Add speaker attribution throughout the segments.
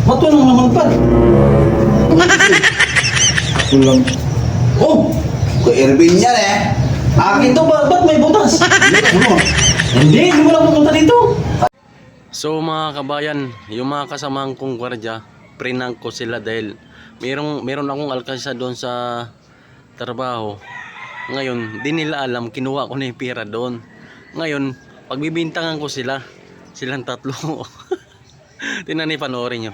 Speaker 1: Ba't walang naman pa?
Speaker 2: Kulang.
Speaker 1: Oh!
Speaker 2: Kay Erwin yan eh.
Speaker 1: Akin to ba? Ba't may butas?
Speaker 2: Ano?
Speaker 1: Hindi mo lang pumunta dito.
Speaker 3: So mga kabayan, yung mga kasamahan kong gwardiya, prinank ko sila dahil meron akong alkansa doon sa trabaho. Ngayon, di nila alam, kinuha ko na yung pera doon. Ngayon, pagbibintangan ko silang tatlo. Tingnan niyo, panoorin nyo.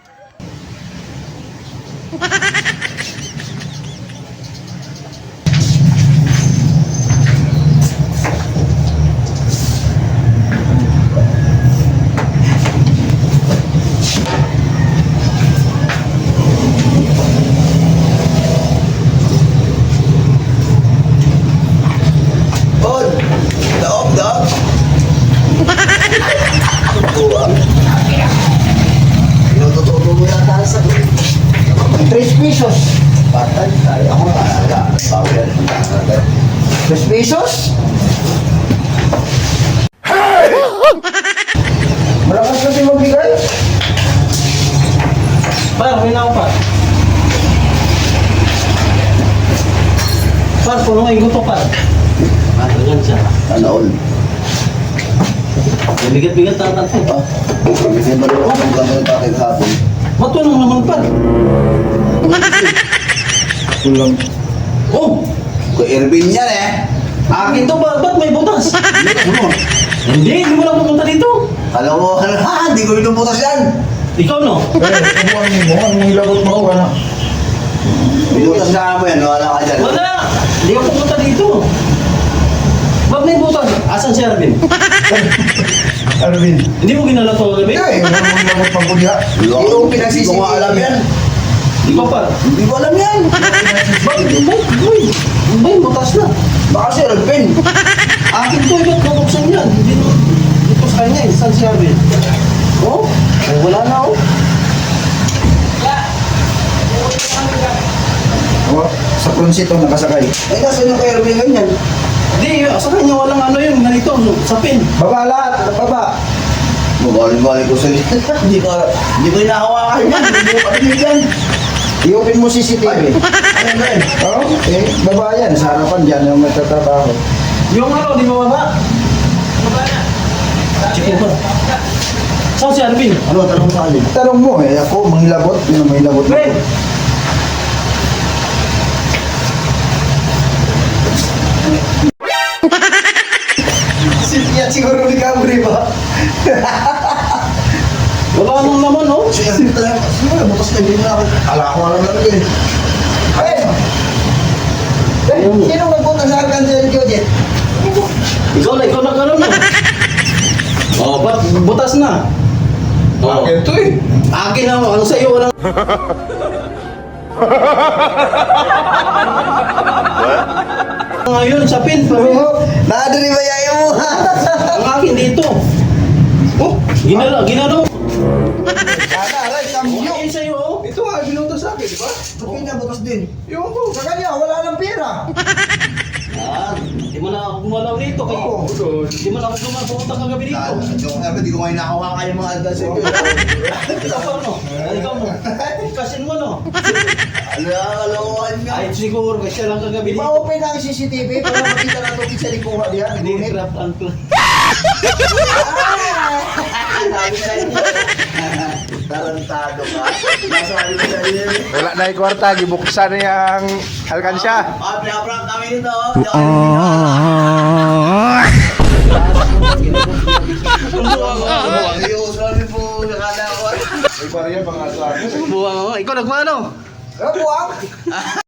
Speaker 2: Od! Daog, daog! Buwang. Inutututo mo yata sa 3 pesos. Patay tayo. Ako talaga. Bago yan. 3 pesos? Hey! Malakas kasi magbigay.
Speaker 1: Par, may na ako par. Par, puno nga yung gusto par. Ganyan siya.
Speaker 2: Ano all?
Speaker 1: May bigat-bigat tatat ko.
Speaker 2: Hindi ba rin ako ng gano'n tayo hapon?
Speaker 1: Ba't walang naman par?
Speaker 2: Kulang.
Speaker 1: Oh!
Speaker 2: Kay Erwin yan eh.
Speaker 1: Akin to ba? Ba't may butas?
Speaker 2: Ano?
Speaker 1: Hindi mo lang pumunta dito.
Speaker 2: Alam mo, ha? Hindi ko inubutas yan.
Speaker 1: Ikaw no?
Speaker 2: Anong ilagot mo? Wala. Inubutas na mo yan. Wala ka dyan.
Speaker 1: Wala! Hindi ako pumunta dito. Ba't may butas? Asan si Arvin?
Speaker 2: Erwin.
Speaker 1: Hindi mo ginala to kagabi?
Speaker 2: Wala mo ilagot pang kulya. Hindi ko pinagsisisi. Hindi ko alam yan.
Speaker 1: Ikaw par.
Speaker 2: Hindi ko alam yan.
Speaker 1: Bakit? Boy! Boy, butas na.
Speaker 2: Baka si Erwin.
Speaker 1: Akin to, ba't bubuksan yan? Hindi mo. Dito sa kanya eh. Saan si Arvin? Oh? Ay, wala na oh.
Speaker 2: Sa pronsito nakasakay. Eh, nasa yung kay Erwin ganyan?
Speaker 1: Hindi, sa kanya walang ano yun. Ganito, sa pin.
Speaker 2: Baba lahat. Baba. Mabalik-balik ko sa Hindi ko inahawakan yan. Hindi ko parinig yan. I-open mo CCTV. Ano ba yun? Oo. Eh, baba yan. Sa harapan dyan yung magtatrabaho.
Speaker 1: Yung ano, di ba baba? Baba na. Check mo ba? Saan si Arvin?
Speaker 2: Ano, tanong sa alin? Tanong mo eh. Ako, manghilabot. Yun ang manghilabot.
Speaker 1: Wait!
Speaker 2: Yan siguro ni Camry ba?
Speaker 1: Wala nang naman oh.
Speaker 2: Siguro, bukas na din ako. Ala ko alam na rin. Ay! Sino nagpunta sa akin sa Jojet?
Speaker 1: Ikaw na karoon na. Oh, ba't butas na? Oh.
Speaker 2: Akin to eh.
Speaker 1: Akin na, ano sa iyo, walang... Ngayon, sa pin, pero
Speaker 2: Nakadari ba yayo mo?
Speaker 1: ang akin dito. Oh, ginalo.
Speaker 2: Sana, aray, kami
Speaker 1: Akin sa iyo, oh.
Speaker 2: Ito nga, binuto sa akin, di ba? Ba't pinabukas din? Yung ko, sa kanya, wala nang pera.
Speaker 1: Hindi mo na ako gumalaw dito. Hindi mo na ako pumunta kagabi dito.
Speaker 2: Hindi ko kayo nakawakan yung mga advance ko.
Speaker 1: Ikaw pa, no? Ikaw, no? Kasin mo, no?
Speaker 2: Alalawan nga.
Speaker 1: Ay, siguro, kasi lang kagabi dito.
Speaker 2: Ipa-open na ang CCTV para makita na ito sa likuha diyan.
Speaker 1: Hindi, craft and plan.
Speaker 2: Tarantado ka. Nasabi ko sa iyo.
Speaker 4: Wala na yung kwarta, gibuksan na yung alkansya.
Speaker 2: Pinaprank kami nito.
Speaker 3: Buwang ako. Ikaw nagmano?
Speaker 2: Buwang?